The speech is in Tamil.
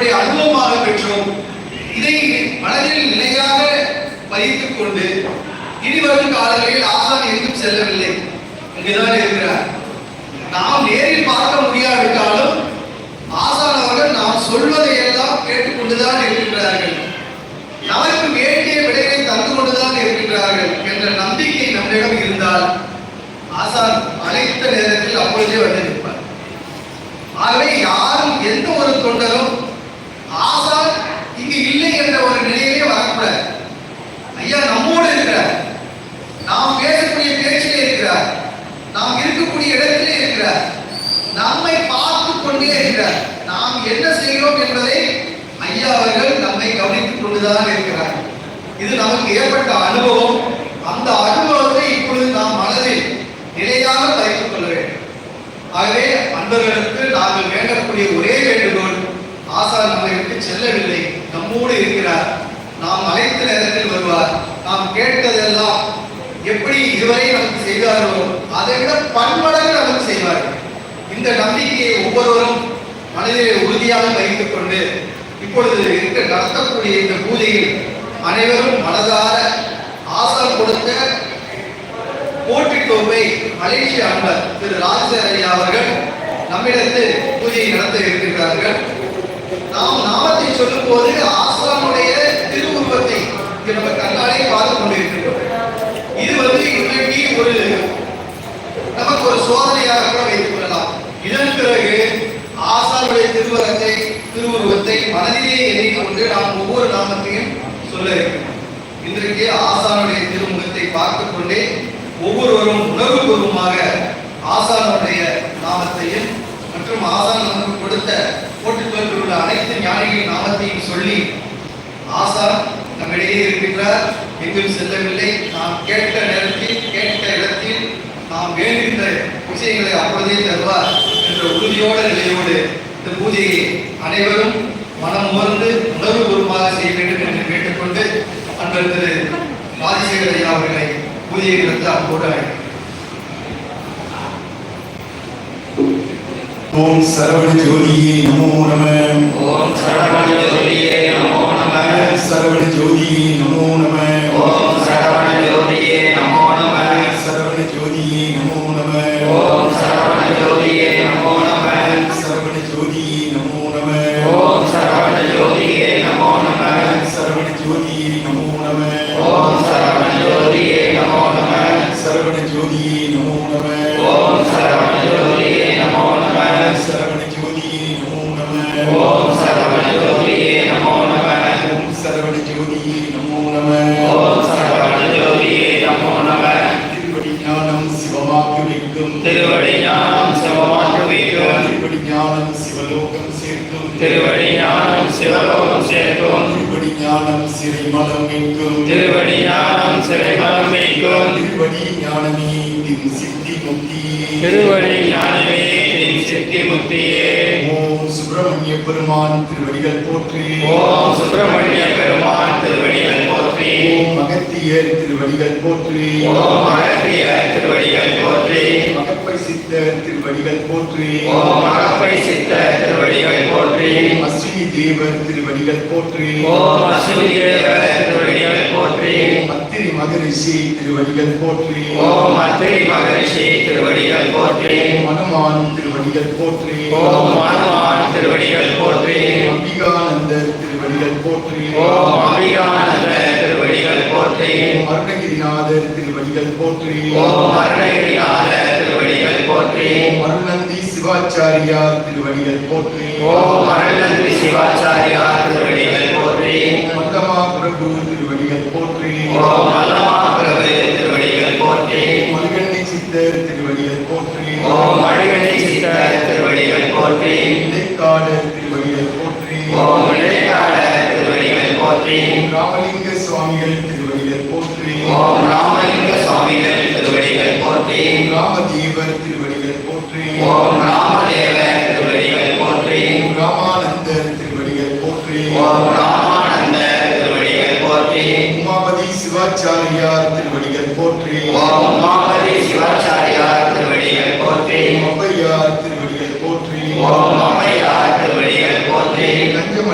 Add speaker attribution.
Speaker 1: நம்முடைய அனுபவமாக பெற்றோம். இதை மனதில் நிலையாக பதித்துக் கொண்டு இனிவரும் காலங்களில் ஆசான் எங்கும் செல்லவில்லை, இங்குதான் இருக்கிறார். நாம் நேரில் பார்க்க முடியாவிட்டாலும் ஆசான் அவர்கள் நாம் சொல்வதை எல்லாம் கேட்டுக்கொண்டுதான் இருக்கின்றார்கள், நமக்கு வேண்டிய விடையை தந்து கொண்டுதான் இருக்கின்றார்கள் என்ற நம்பிக்கை நம்மிடம் இருந்தால் ஆசான் அழைத்த நேரத்தில் அப்பொழுதே வந்து நிற்பார். ஆகவே யாரும் எந்த ஒரு தொண்டரும் ஆசான் இங்கு இல்லை என்ற ஒரு நிலையிலே வரக்கூடாது. ஐயா நம்மோடு இருக்கிறார், நாம் பேசக்கூடிய பேச்சிலே இருக்கிறார், நாம் இருக்கக்கூடிய இடத்திலே இருக்கிறார், நம்மை பார்த்து கொண்டே இருக்கிறார். நாம் என்ன செய்கிறோம் என்பதை ஐயா அவர்கள் நம்மை கவனித்துக் கொண்டுதான் இருக்கிறார். இது நமக்கு ஏற்பட்ட அனுபவம். அந்த அனுபவத்தை இப்பொழுது நாம் மனதில் நிலையாக வைத்துக் கொள்ள வேண்டும். ஆகவே அன்பர்களுக்கு நாங்கள் வேண்டக்கூடிய ஒரே வேண்டுகோள், ஆசான் நம்மை விட்டு செல்லவில்லை, நம்மோடு இருக்கிறார், நாம் அழைத்த நேரத்தில் வருவார், நாம் கேட்டதெல்லாம் எப்படி இதுவரை நமக்கு செய்தார்களோ அதை விட பன்மடங்கு நமக்கு செய்வார்கள். இந்த நம்பிக்கையை ஒவ்வொருவரும் மனதிலே உறுதியாக வைத்துக் கொண்டு இப்பொழுது நடத்தக்கூடிய இந்த பூஜையில் அனைவரும் மனதார ஆசான் கொடுத்த போட்டிக்கோப்பை மலேசிய அன்பர் திரு ராஜசேகர் ஐயா அவர்கள் நம்மிடத்தில் பூஜையை நடத்த இருக்கின்றார்கள். நாம் நாமத்தை சொல்லும் போது ஆசானுடைய திருவுருவத்தை நம்ம கண்ணாலே பார்த்து கொண்டிருக்கின்றோம். இது இன்றைக்கு ஒரு நமக்கு ஒரு சோதனையாக கூட வைத்துக் கொள்ளலாம். இதன் பிறகு ஆசானுடைய திருவுருவத்தை மனதிலே எண்ணிக்கொண்டு நாம் ஒவ்வொரு நாமத்தையும் சொல்ல இருக்கிறோம். இன்றைக்கு ஆசானுடைய திருமுகத்தை பார்த்துக் கொண்டே ஒவ்வொருவரும் உணர்வுபூர்வமாக ஆசானுடைய நாமத்தையும் மற்றும் ஆசான் நமக்கு கொடுத்த போட்டுக்கொண்டு உள்ள அனைத்து ஞானிகளின் நாமத்தையும் சொல்லி, ஆசான் நம்மிடையே இருக்கின்றார், எங்கும் செல்லவில்லை, நாம் கேட்ட நேரத்தில் கேட்ட இடத்தில் நாம் வேண்டுகின்ற விஷயங்களை அப்பொழுதே தருவார் என்ற உறுதியோட நிலையோடு இந்த பூஜையை அனைவரும் மனம் உணர்ந்து உணர்வுபூர்வமாக செய்ய வேண்டும் என்று கேட்டுக்கொண்டு அன்பர் திரு ராஜசேகர் ஐயா அவர்களை பூஜையை நடத்த அன்போடு
Speaker 2: ஓம் சரவண ஜோதியே நமோ நம.
Speaker 3: ஓம் சரவண ஜோதியே நமோ நம.
Speaker 2: சரவண ஜோதியே நமோ நம.
Speaker 3: ஓம் சரவண ஜோதியே நமோ நம.
Speaker 2: சரவண ஜோதியே நமோ நம.
Speaker 3: ஓம் சரவண ஜோதியே நமோ நம.
Speaker 2: சரவண ஜோதியே நமோ நம.
Speaker 3: ஓம் சரவண ஜோதியே நமோ நம.
Speaker 2: சரவண ஜோதியே நமோ நம.
Speaker 3: ஓம் சரவண ஜோதியே நமோ நம.
Speaker 2: சரவண ஜோதியே நமோ நம.
Speaker 3: ஓம் சரவண ஜோதியே நமோ நம.
Speaker 2: சரவண ஜோதியே நமோ நம.
Speaker 3: ஓம் சரவண ஜோதியே நமோ நம.
Speaker 2: ஓம் சரவண ஜோதியே நமோ நம.
Speaker 3: ஓம் சரவண ஜோதியே நமோ நம.
Speaker 2: திருவடி ஞானம் சிவமாக்கி வைக்கும்.
Speaker 3: திருவடி ஞானம் சிவமாக்கி வைக்கும்.
Speaker 2: திருவடி ஞானம் சிவலோகம் சேர்க்கும்.
Speaker 3: திருவடி ஞானம் சிவலோகம் சேர்க்கும்.
Speaker 2: திருவடி ஞானம் சிறைமலம் மீட்கும்.
Speaker 3: திருவடி ஞானம் சிறைமலம் மீட்கும்.
Speaker 2: திருவடி ஞானமே திரு சித்தி முக்தியே.
Speaker 3: திருவடி ஞானமே திரு சித்தி முக்தியே.
Speaker 2: ஓம் சுப்பிரமணிய பெருமான் திருவடிகள் போற்றி.
Speaker 3: ஓம் சுப்பிரமணிய பெருமான் திருவடிகள் போற்றி.
Speaker 2: ஓம் அகத்தியர் திருவடிகள் போற்றி.
Speaker 3: ஓம் அகத்தியர் திருவடிகள் போற்றி.
Speaker 2: மகப்பை சித்தர் திருவடிகள் போற்றி.
Speaker 3: ஓம் அகப்பை சித்தர் திருவடிகள் போற்றி.
Speaker 2: ஓம் அஸ்வினி தேவர் திருவடிகள் போற்றி.
Speaker 3: ஓம் அஸ்வினி தேவர் திருவடிகள் போற்றி.
Speaker 2: ஓம் அத்திரி மகரிஷி திருவடிகள் போற்றி.
Speaker 3: ஓம் அத்திரி மகரிஷி திருவடிகள் போற்றி.
Speaker 2: ஓம் அனுமான் திருவடிகள் போற்றி.
Speaker 3: ஓம் அனுமான் திருவடிகள் போற்றி.
Speaker 2: அம்பிகானந்தர் திருவடிகள் போற்றி.
Speaker 3: ஓம் அம்பிகானந்த திருவடிகள் போற்றி.
Speaker 2: ஓம் அருணகிரிநாதர் திருவடிகள் போற்றி.
Speaker 3: ஓம் அருணகிரிநாத திருவடிகள் போற்றி.
Speaker 2: ஓம் அருணந்தி சிவாச்சாரியார் திருவடிகள் போற்றி.
Speaker 3: ஓம் அருணந்தி சிவாச்சாரியார் திருவடிகள் போற்றி.
Speaker 2: ஓம் மல்லமா பிரபு திருவடிகள் போற்றி.
Speaker 3: ஓம் மல்லமா பிரபு திருவடிகள் போற்றி.
Speaker 2: ஓம் மல்கண்ணி சித்தர் திருவடிகள் போற்றி.
Speaker 3: ஓம் அழகணி சித்தர் திருவடிகள் போற்றி.
Speaker 2: இடைக்காடர் திருவடிகள் போற்றி.
Speaker 3: ஓம் இடைக்காட திருவடிகள் போற்றி.
Speaker 2: ஓம் ராமலிங்க சுவாமிகள் திருவடிகள் போற்றி.
Speaker 3: ஓம் ராமலிங்க சுவாமிகள் திருவடிகள் போற்றி.
Speaker 2: ஓம் ராமதேவர் திருவடிகள் போற்றி.
Speaker 3: ஓம் ராமதேவ திருவடிகள் போற்றி.
Speaker 2: ஓம் ராமானந்தர் திருவடிகள் போற்றி.
Speaker 3: ஓம் ராமானந்த திருவடிகள் போற்றி.
Speaker 2: உமாபதி சிவாச்சாரியார் திருவடிகள் போற்றி.
Speaker 3: ஓம் உமாபதி சிவாச்சாரியார் திருவடிகள் போற்றி.
Speaker 2: ஔவையார் திருவடிகள் போற்றி.
Speaker 3: ஓம்